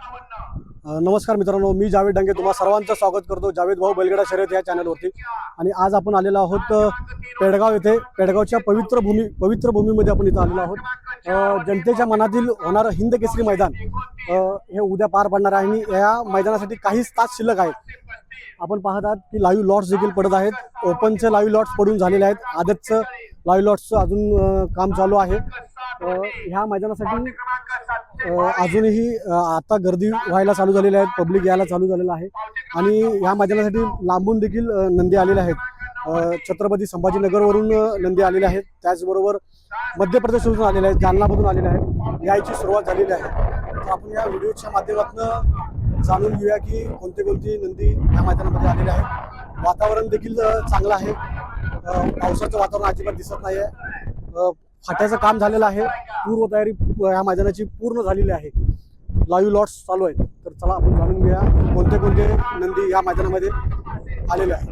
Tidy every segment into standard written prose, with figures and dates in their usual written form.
नमस्कार मित्रांनो, मी जावेद डांगे तुम्हा सर्वांचं स्वागत करतो जावेद भाऊ बैलगाडा शर्यत या चॅनलवरती। आणि आज आपण आलेलो आहोत पेडगाव येथे। पेडगावच्या पवित्र भूमीमध्ये आपण इथं आलेलो आहोत। जनतेच्या मनातील होणारं हिंद केसरी मैदान हे उद्या पार पडणार आहे आणि या मैदानासाठी काहीच तास शिल्लक आहेत। आपण पाहत आहात की लाईव्ह लॉट्स देखील पडत आहेत। ओपनचे लाईव्ह लॉट्स पडून झालेले आहेत, आदतचं लाईव्ह लॉट्सचं अजून काम चालू आहे। ह्या मैदानासाठी अजूनही आता गर्दी व्हायला चालू झालेली आहे, पब्लिक यायला चालू झालेलं आहे। आणि ह्या मैदानासाठी लांबून देखील नंदी आलेले आहेत। छत्रपती संभाजीनगरवरून नंदी आलेले आहेत, त्याचबरोबर मध्य प्रदेशवरून आलेले आहेत, जालनामधून आलेले आहेत। यायची सुरुवात झालेली आहे। तर आपण या व्हिडिओच्या माध्यमातून जाणून घेऊया की कोणती नंदी या मैदानामध्ये आलेले आहेत। वातावरण देखील चांगलं आहे, पावसाचं वातावरण अजिबात दिसत नाही आहे। फाट्याचं काम झालेलं आहे, पूर्वतयारी या मैदानाची पूर्ण झालेली आहे। लाईव्ह लॉट्स चालू आहेत। तर चला आपण जाणून घेऊया कोणते नंदी या मैदानामध्ये आलेले आहेत।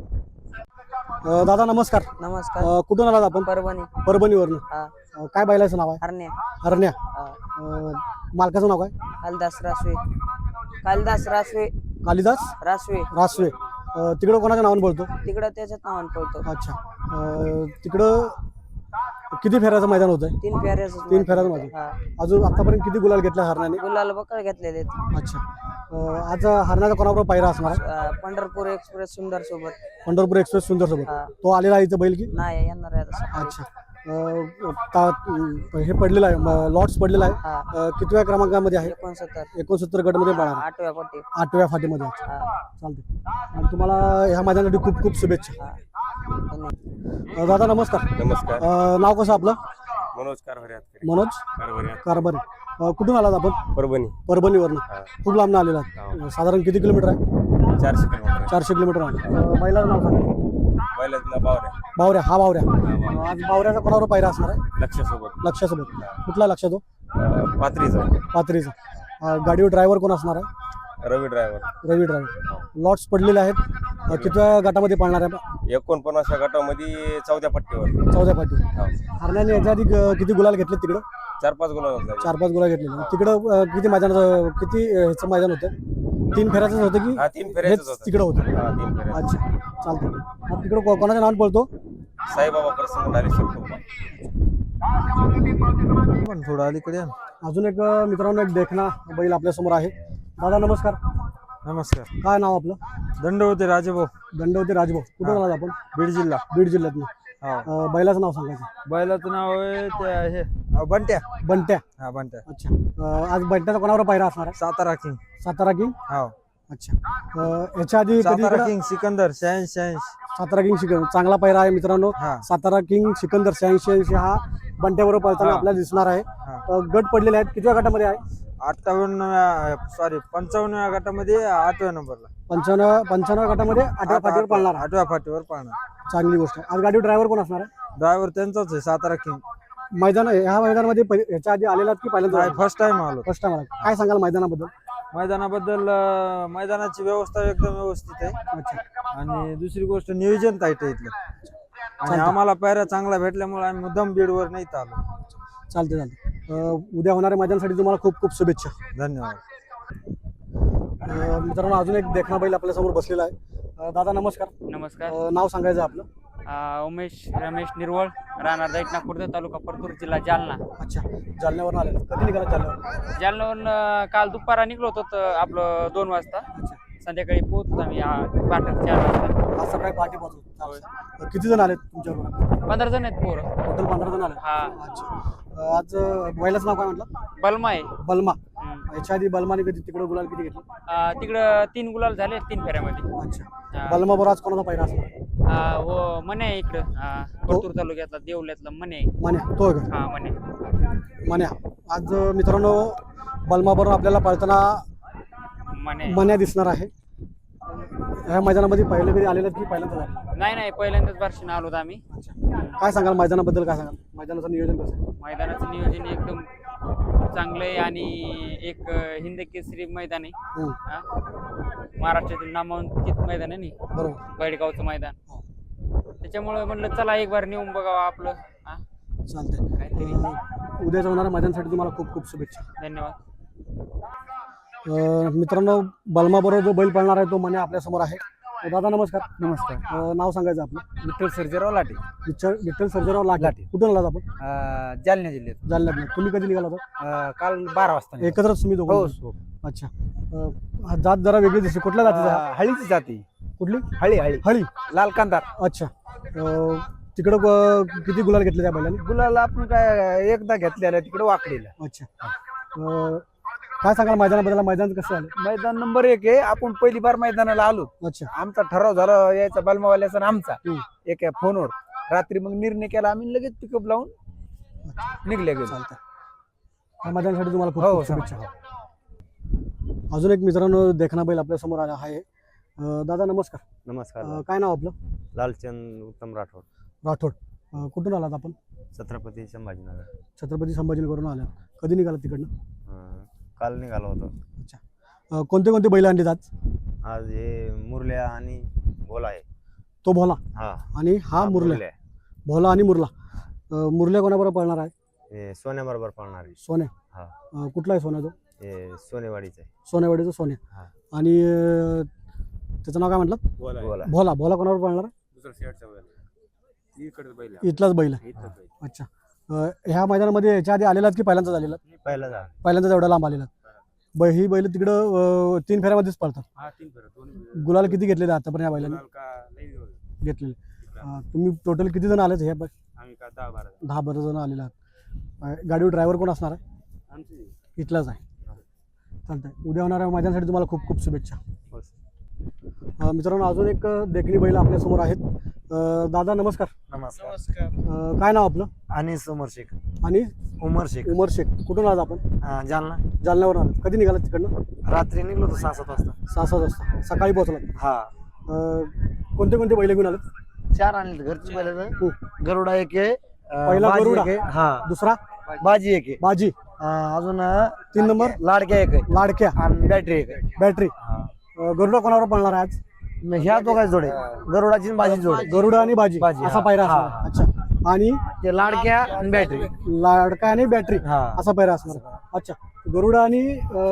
दादा नमस्कार। नमस्कार। कुठून आलात आपण? परभणीवरून। काय बैलाचं नाव आहे? हरण्या। मालकाचं नाव काय? कालिदास रासवे। तिकडं कोणाच्या नावाने बोलतो? तिकडं त्याच्याच नावाने बोलतो। अच्छा, तिकडं किती फेऱ्याचं मैदान होतंय? 3 फेऱ्याचं मैदान। अजून आतापर्यंत किती गुलाल घेतला हरण्याने? गुलाल बकळ घेतलेले। अच्छा, आज हरण्याचा कोणाबरोबर पायरा असणार? पंढरपूर एक्सप्रेस सुंदर सोबत। तो आलेला आहे इथं बैल की नाही येणार आहे? अच्छा, हे पडलेलं आहे, लॉट्स पडलेला आहे। कितव्या क्रमांकामध्ये आहे? 69 गटमध्ये पळणार, 8व्या फाटीमध्ये। चालते। आणि तुम्हाला ह्या मैदानासाठी खूप खूप शुभेच्छा। दादा नमस्कार। नाव कसं आपलं? मनोज कारभारी। कुठून आलात आपण? परभणीवरून। खूप लांब आलेला आहात। साधारण किती किलोमीटर आहे? 400 किलोमीटर आहे। बैलाचं नाव सांगा। बावऱ्या। हा बावऱ्या। आज बावऱ्याचा कोणावर पायरा असणार आहे? लक्षासोबत। कुठला लक्ष तो? पाथरीचा। गाडीवर ड्रायव्हर कोण असणार आहे? रवी ड्रायव्हर। लॉट्स पडलेले आहेत। कितव्या गटामध्ये पाळणार आहे? 49व्या गटामध्ये 4थ्या पट्टीवर। 4थ्या पट्टीवर। हरण्याने याच्या आधी किती गुलाल घेतले तिकडं? 4-5 गुलाल 4-5 गुलाल घेतले। तिकडं किती ह्याचं मैदान होतं? 3 फेऱ्याचंच होतं की? 3 फेऱ्याचंच होतं तिकडं होतं। 3 फेऱ्या। अच्छा, चालतं। तिकडं कोणाच्या नावाने बोलतो? साईबाबा प्रसन्न धारेश्वर। थोडं अलीकडे अजून एक मित्रांनो एक देखना बैल आपल्या समोर आहे। दादा नमस्कार। काय नाव आपलं? दंडवते राजभाऊ। कुठून आलात आपण? बीड जिल्ह्यातून। बैलाचं नाव सांगायचं? बैलाचं नाव आहे हे बंट्या। अच्छा, आज बंट्याचा कोणावर पायरा असणार आहे? सातारा किंग। अच्छा, याच्या आधी सातारा किंग सिकंदर 86। सातारा किंग सिकंदर चांगला पायरा आहे मित्रांनो। सातारा किंग सिकंदर 86 हा बंट्याबरोबर पळताना आपल्याला दिसणार आहे। गट पडलेले आहेत। कितव्या गटामध्ये आहे? 55व्या गटामध्ये 8व्या नंबरला। 55व्या गटामध्ये 8व्या फाटीवर पाळणार। 8व्या फाटीवर पाळणार। चांगली गोष्ट आहे। आज गाडी ड्रायव्हर कोण असणार आहे? ड्रायव्हर त्यांचाच आहे, सातारा किंग। ह्या मैदानामध्ये ह्याच्या आधी आलेला की पहिल्यांदा? फर्स्ट टाइम आलो। काय सांगाल मैदानाबद्दल? मैदानाची व्यवस्था एकदम व्यवस्थित आहे। अच्छा, आणि दुसरी गोष्ट नियोजन टाईट आहे इथलं। आणि आम्हाला पायऱ्या चांगला भेटल्यामुळे आम्ही मुद्दाम बीडवर नाही आलो। चालते। उद्या होणाऱ्या मैदानासाठी तुम्हाला खूप खूप शुभेच्छा। धन्यवाद। मित्रांनो अजून एक देखना बैल आपल्या समोर बसलेला आहे। दादा नमस्कार। नाव सांगायचं आपलं? उमेश रमेश निर्वळ, राहणार दैठणा खुर्द, तालुका परतूर, जिल्हा जालना। अच्छा, जालन्यावरून आले? कधी निघाला जालन्यावरून? काल दुपारा निघलो होतो आपलं 2 वाजता। संध्याकाळी पोहोचतो आम्ही पाटण 4 वाजता। आज सकाळी पहाटे पोहोचलो। किती जण आले तुमच्याबरोबर? 15 जण आहेत पोरं। टोटल 15 जण आले? अच्छा, आज बैलाचं नाव काय म्हटलं? बलमा आहे। बलमा। याच्या आधी बलमाने तिकडे गुलाल किती घेतले? तिकडं 3 गुलाल झाले 3 फेऱ्यामध्ये। अच्छा, बलमा बरोबर आज कोणाचा पायरा असणार? हो मने आहे इकडं, परतूर तालुक्यातला देवल्यातला मने। तो का? हा मने। आज मित्रांनो बलमा बरोबर आपल्याला पळताना मन्या दिसणार आहे। ह्या मैदानामध्ये पहिले कधी आलेलं की पहिल्यांदा? नाही पहिल्यांदाच वर्षाने आलो आम्ही। काय सांगाल मैदानाबद्दल? काय सांगाल मैदानाचं नियोजन कसं आहे? मैदानाचं नियोजन एकदम चांगलं आहे आणि एक हिंद केसरी मैदान आहे। महाराष्ट्रातील नामांकित मैदान आहे ना, बरोबर, बेळगावचं मैदान। त्याच्यामुळे म्हणलं चला एक बार नेऊन बघावं आपलं। चालतंय। उद्याच्या होणाऱ्या मैदानासाठी तुम्हाला खूप खूप शुभेच्छा। धन्यवाद। मित्रांनो बलमाबरोबर जो बैल पळणार आहे तो मने आपल्या समोर आहे. दादा नमस्कार. नमस्कार. नाव सांगायचं आपलं. विठ्ठल सर्जेराव लाटे, विठ्ठल सर्जेराव लाटे. कुठून आलात आपण? जालना जिल्ह्यात. जालन्यात. तुम्ही कधी निघाला होता? काल 12 वाजता निघालो. एकत्रच तुम्ही दोघं? हो. अच्छा. हा जात जरा वेगळी दिसते. कुठल्या जातीचा आहे? हळीची जाती. कुठली? हळी हळी. लाल कांदार. अच्छा. तिकडं किती गुलाल घेतले त्या बैलाने? गुलाला आपण काय एकदा घेतलेला, तिकडे वाकडेला. अच्छा. काय सांगाल मैदानाबद्दल? मैदान कसं झालं? मैदान नंबर 1 आहे. आपण पहिली बार मैदानाला आलो. अच्छा. आमचा ठराव झाला यायचा बलमावाल्याचा आणि आमचा एक फोनवर. रात्री मग निर्णय केला आम्ही, लगेच पिकअप लावून निघले गेलो. चालतंय. या मैदानासाठी तुम्हाला खूप हो, खूप शुभेच्छा. अजून एक मित्रांनो देखना बैल आपल्या समोर आला आहे. दादा नमस्कार. नमस्कार. काय नाव आपलं? लालचंद उत्तम राठोड, राठोड. कुठून आलात आपण? छत्रपती संभाजीनगर. छत्रपती संभाजीनगरवरून आलात. कधी निघालात तिकडनं? काल निघालो होतो. अच्छा. कोणते कोणते बैल आणले आज? आज हे मुरल्या आणि भोला आहे. तो भोला हा आणि हा मुरल्या. भोला आणि मुरला. मुरल्या कोणाबरोबर पळणार आहे? हे सोन्याबरोबर पळणार आहे. सोन्या. हा. कुठला आहे सोन्या तो? हे सोनेवाडीचं आहे. सोन्यावाडीचा सोन्या. हा. आणि त्याचं नाव काय म्हटलं? भोला. भोला. भोला कोणावर पळणार आहे? इथलाच बैल आहे. अच्छा. ह्या मैदानामध्ये याच्या आधी आलेलात की पहिल्यांदाच आलेलात? पहिला जा पहिल्यांदाच एवढ्या लांब आलेलात. ही बैल तिकडं 3 फेऱ्यामध्येच पळतात. गुलाल किती घेतलेले आतापर्यंत या बैलांनी? घेतलेले. तुम्ही टोटल किती जण आलेत? हे 10-12 जण आलेले आहात. गाडीवर ड्रायव्हर कोण असणार आहे? इथलाच आहे. चालतंय. उद्या होणाऱ्या मैदानासाठी तुम्हाला खूप खूप शुभेच्छा. मित्रांनो अजून एक देखणी बैल आपल्या समोर आहेत. दादा नमस्कार. नमस्कार. काय नाव आपलं? अनिस उमर शेख. आणि उमर शेख. उमर शेख. कुठून आलात आपण? जालना. जालन्यावर आलात. कधी निघालात तिकडनं? रात्री निघलो होतो 6-7 वाजता. 6-7 वाजता. सकाळी पोहोचलात. हा. कोणते कोणते बैल घेऊन आलात? 4 आणले घरची बैल. गरुडा एक आहे. पहिला बाजी गरुडा. एक आहे. हा. दुसरा बाजी एक आहे. बाजी. अजून 3 नंबर लाडक्या एक आहे. लाडक्या. आणि बॅटरी एक आहे. बॅटरी. गरुडा कोणावर पळणार आहे आज? ह्या दोघांची जोड आहे. गरुडाची आणि बाजी जोड. गरुडा आणि बाजी बाजी, असा हा. पायरा हा. असणार. अच्छा. आणि ते लाडक्या आणि बॅटरी. लाडका आणि बॅटरी हा. असा पायरा असणार. अच्छा. गरुडा आणि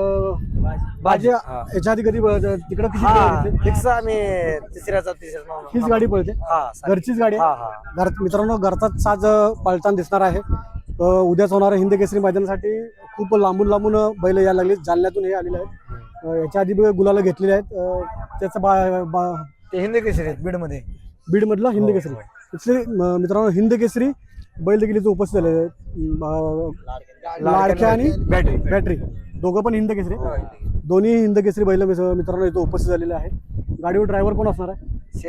बाजी हा. याच्या आधी कधी तिकडे किती हा. पळाले होते? फिक्स आम्ही तिसऱ्याचा हीच गाडी पळते? हा. घरचीच गाडी हा. आहे? मित्रांनो घरचाच साज पळताना दिसणार आहे. उद्याच होणाऱ्या हिंद केसरी मैदानासाठी खूप लांबून लांबून बैल यायला लागले. जालन्यातून हे आलेले आहेत. याच्या आधी गुलाला घेतलेले आहेत. त्याचं ते हिंदी केसरी आहेत बीड मध्ये. बीड मधला हिंद केसरी. इथले मित्रांनो हिंद केसरी बैल देखील इथे उपस्थित झाले आहेत. लाडक्या आणि बॅटरी दोघं पण हिंद केसरी. दोन्ही हिंद केसरी बैल मित्रांनो इथे उपस्थित झालेले आहेत. गाडीवर ड्रायव्हर कोण असणार आहे?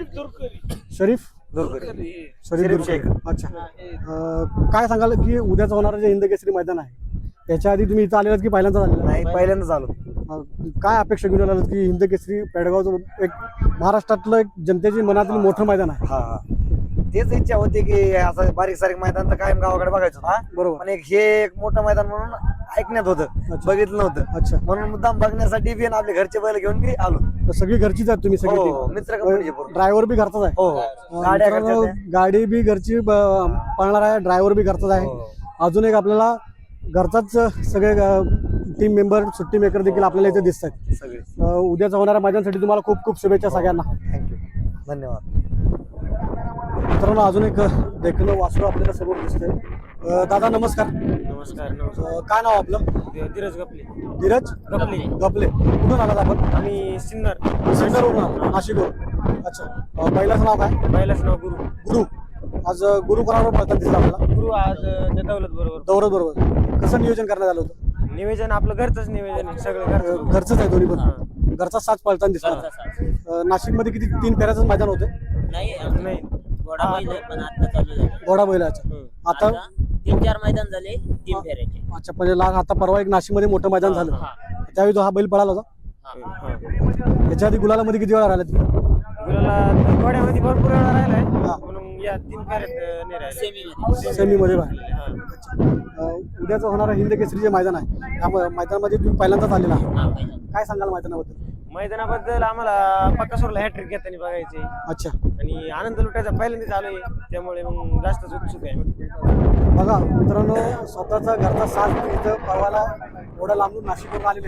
शरीफ दुर्गरी. अच्छा. काय सांगाल की उद्याच होणारं जे हिंद केसरी मैदान आहे त्याच्या आधी तुम्ही इथं आलेलात की पहिल्यांदाच आलेला? नाही, पहिल्यांदाच आलो. काय अपेक्षा घेऊन आलात की हिंद केसरी पेडगावचं एक महाराष्ट्रातलं एक जनतेची मनातील मोठं मैदान आहे? हा. तेच इच्छा होती की असं बारीक सारीक मैदान तर कायम गावाकडे बघायचं ना. बरोबर. पण हे एक मोठं मैदान म्हणून ऐकण्यात होतं, बघितलं नव्हतं. अच्छा. म्हणून मुद्दाम बघण्यासाठी बी आपले घरचे बैल घेऊन बी आलो. तर सगळी घरचीच आहेत तुम्ही सगळी? मित्र कंपनीचे पूर्ण. ड्रायव्हर बी घरचाच आहे? गाड्या मित्रांनो, गाडी बी घरची पळणार आहे. ड्रायव्हर बी घरचाच आहे. अजून एक आपल्याला घरचाच सगळे टीम मेंबर सुट्टी मेकर देखील आपल्याला इथे दिसत आहेत सगळे. उद्याच्या होणाऱ्या मैदानासाठी तुम्हाला खूप खूप शुभेच्छा सगळ्यांना. थँक्यू. धन्यवाद. मित्रांनो अजून एक देखणं वासरू आपल्याला समोर दिसतंय. दादा नमस्कार. नमस्कार. काय नाव आपलं? धीरज गपले. धीरज गपले. कुठून आलात आपण? आम्ही सिन्नर. सिन्नरवरून आलो, नाशिकवरून. अच्छा. पहिल्याचं नाव काय? पहिलाच नाव गुरु. गुरु. आज गुरु कोणाबरोबर पळताना दिसला आपल्याला? गुरु आज दौलत बरोबर. बरोबर. कसं नियोजन करण्यात आलं होतं? नियोजन आपलं घरचंच नियोजन आहे. सगळं घरचंच आहे दोन्ही पण. घरचा साथ पळताना दिसला. नाशिकमध्ये किती 3 फेऱ्याचंच मैदान होतं? नाही. घोडा बैल आहे, पण आता चालू झालं. घोडा बैलाचं. आता 3-4 मैदान झाले 3 फेऱ्याचे. अच्छा. म्हणजे आता परवा एक नाशिकमध्ये मोठं मैदान झालं त्यावेळी तो हा बैल पळाला होता. याच्या आधी गुलालामध्ये किती वेळा राहिला तुम्ही? गुलाला घोड्यामध्ये भरपूर वेळा राहिलाय. म्हणून या 3 फेऱ्यात नाही राहिले. सेमीमध्ये राहिला. उद्याचं होणारं हिंद केसरी जे मैदान आहे त्या मैदानामध्ये तुम्ही पहिल्यांदाच आलेला आहे. काय सांगाल मैदानाबद्दल? मैदानाबद्दल आम्हाला पक्कासोरला हॅट्रिक घेताना बघायचे. अच्छा. आणि आनंद लुटायचा पहिल्यांदाच आलोय त्यामुळे मग जास्तच उत्सुक आहे. बघा मित्रांनो स्वतःचा घरचा साथ इथं पळवायला एवढ्या लांबून नाशिकवरून आलेले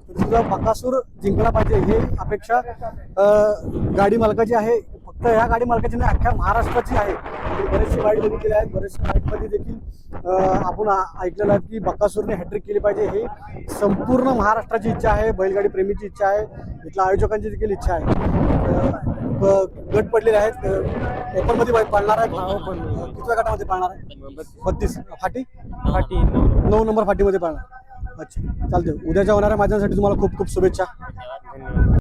तर तुझा बकासूर जिंकला पाहिजे हे अपेक्षा गाडी मालकाची आहे. फक्त ह्या गाडी मालकाची नाही, अख्ख्या महाराष्ट्राची आहे. बरेचसे वाईट बघितलेले आहेत, बरेचसे वाईटमध्ये देखील आपण ऐकलेलं आहे की बकासूरने हॅट्रिक केली पाहिजे. ही संपूर्ण महाराष्ट्राची इच्छा आहे, बैलगाडी प्रेमीची इच्छा आहे, इथल्या आयोजकांची देखील इच्छा आहे. गट पडलेले आहेत, ओपन मध्ये पाळणार आहे. कितव्या गटामध्ये पाळणार आहे? 32 फाटी 9 नंबर फाटीमध्ये पाळणार. अच्छा, चालते. उद्याच्या होणाऱ्या मैदानासाठी तुम्हाला खूप खूप शुभेच्छा. धन्यवाद.